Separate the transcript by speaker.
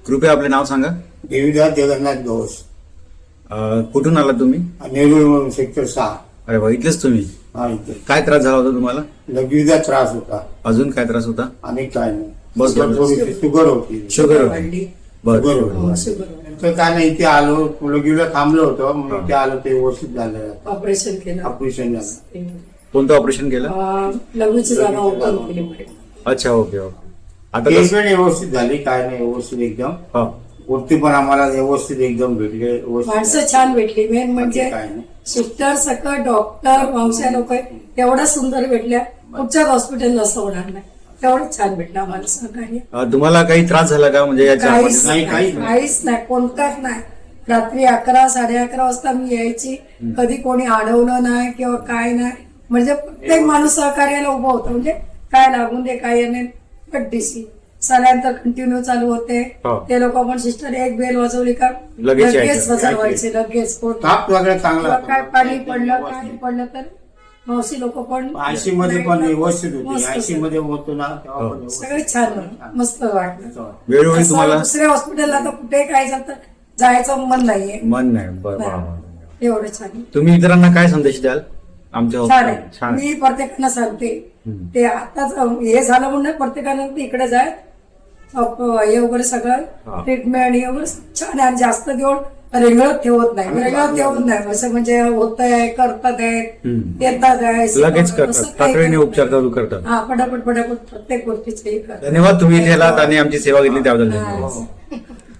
Speaker 1: कृपया आपले नाव सांगा.
Speaker 2: देवीदास जगन्नाथ घोष,
Speaker 1: कुठून आला तुम्ही?
Speaker 2: नेरूळ सेक्टर 6.
Speaker 1: अरे वा, इथलेच तुम्ही.
Speaker 2: हा, इथे
Speaker 1: काय त्रास झाला होता तुम्हाला?
Speaker 2: लघवीचा त्रास होता
Speaker 1: अजून काय त्रास होता?
Speaker 2: आणि काय नाही.
Speaker 1: बस, बस.
Speaker 2: थोडीशी शुगर होती.
Speaker 1: शुगर
Speaker 3: वाढली.
Speaker 1: बरं.
Speaker 2: नंतर काय नाही, इथे आलो, लघवीला थांबलो होतो, मग इथे आलो, ते व्यवस्थित झालं.
Speaker 3: ऑपरेशन केलं.
Speaker 2: ऑपरेशन झालं.
Speaker 1: कोणतं ऑपरेशन केलं?
Speaker 3: लघवीची जागा ओपन केली.
Speaker 1: अच्छा, ओके ओके. आता
Speaker 2: केस
Speaker 1: कसं?
Speaker 2: पण व्यवस्थित झाली, काय नाही, व्यवस्थित एकदम.
Speaker 1: हा.
Speaker 2: वरती पण आम्हाला व्यवस्थित एकदम भेटले, व्यवस्थित.
Speaker 3: माणसं छान भेटली. मेन म्हणजे
Speaker 2: काय नाही.
Speaker 3: सिस्टर सकट डॉक्टर वंशा लोक एवढ्या सुंदर भेटल्या. कुठच्याच हॉस्पिटलला असं होणार नाही. तेवढंच छान भेटलं आम्हाला सहकार्य.
Speaker 1: तुम्हाला काही त्रास झाला का म्हणजे याच्या
Speaker 3: काहीच
Speaker 2: नाही,
Speaker 3: नाही, काहीच नाही, कोणताच नाही. रात्री 11, 11:30 वाजता मी यायची. कधी कोणी अडवलं नाही किंवा काय नाही. म्हणजे प्रत्येक माणूस सहकार्याला उभं होतं. म्हणजे काय लागून दे, काय नाही. पट्टीसी सल्यानंतर कंटिन्यू चालू होते.
Speaker 1: हो.
Speaker 3: ते लोक पण सिस्टर एक बेल वाजवली का
Speaker 1: लगेच
Speaker 3: लगेच
Speaker 1: यायचं.
Speaker 3: वाजवायचे, लगेच कोण
Speaker 2: ताप वगैरे चांगला
Speaker 3: किंवा
Speaker 2: होता.
Speaker 3: काय पाणी पडलं, काय पडलं तर मावशी लोक पण
Speaker 2: आयसी मध्ये पण व्यवस्थित होती.
Speaker 3: मस्त
Speaker 2: आयसी मध्ये होतो ना, तेव्हा पण व्यवस्थित.
Speaker 3: सगळे छान होतं. मस्त वाटलं.
Speaker 1: वेळोवेळी
Speaker 3: असं
Speaker 1: तुम्हाला
Speaker 3: दुसऱ्या हॉस्पिटलला तर कुठे काय झालं तर जायचं मन नाहीये.
Speaker 1: मन नाही. बरं, वा, वा.
Speaker 3: एवढं छान
Speaker 1: तुम्ही इतरांना काय संदेश द्याल आमच्या
Speaker 3: छान आहे.
Speaker 1: छान.
Speaker 3: मी प्रत्येकांना सांगते
Speaker 1: हम्म.
Speaker 3: ते आताच हे झालं म्हणून प्रत्येकानं इकडे जाय हे वगैरे
Speaker 1: हा.
Speaker 3: सगळं ट्रीटमेंट हे वगैरे छान आहे. आणि जास्त दिवस रेंगळत ठेवत नाही, रेंगळत ठेवत नाही. असं म्हणजे होत आहे, करतात आहेत,
Speaker 1: हम्म.
Speaker 3: येतात आहे,
Speaker 1: लगेच
Speaker 3: असं
Speaker 1: करतात,
Speaker 3: काही
Speaker 1: तातडीने
Speaker 3: करत
Speaker 1: उपचार
Speaker 3: नाही.
Speaker 1: चालू करतात.
Speaker 3: हा, पटापट पटापट प्रत्येक गोष्टीचे हे करतात.
Speaker 1: धन्यवाद, तुम्ही इथे आलात आणि आमची सेवा घेतली त्याबद्दल धन्यवाद.
Speaker 3: हा.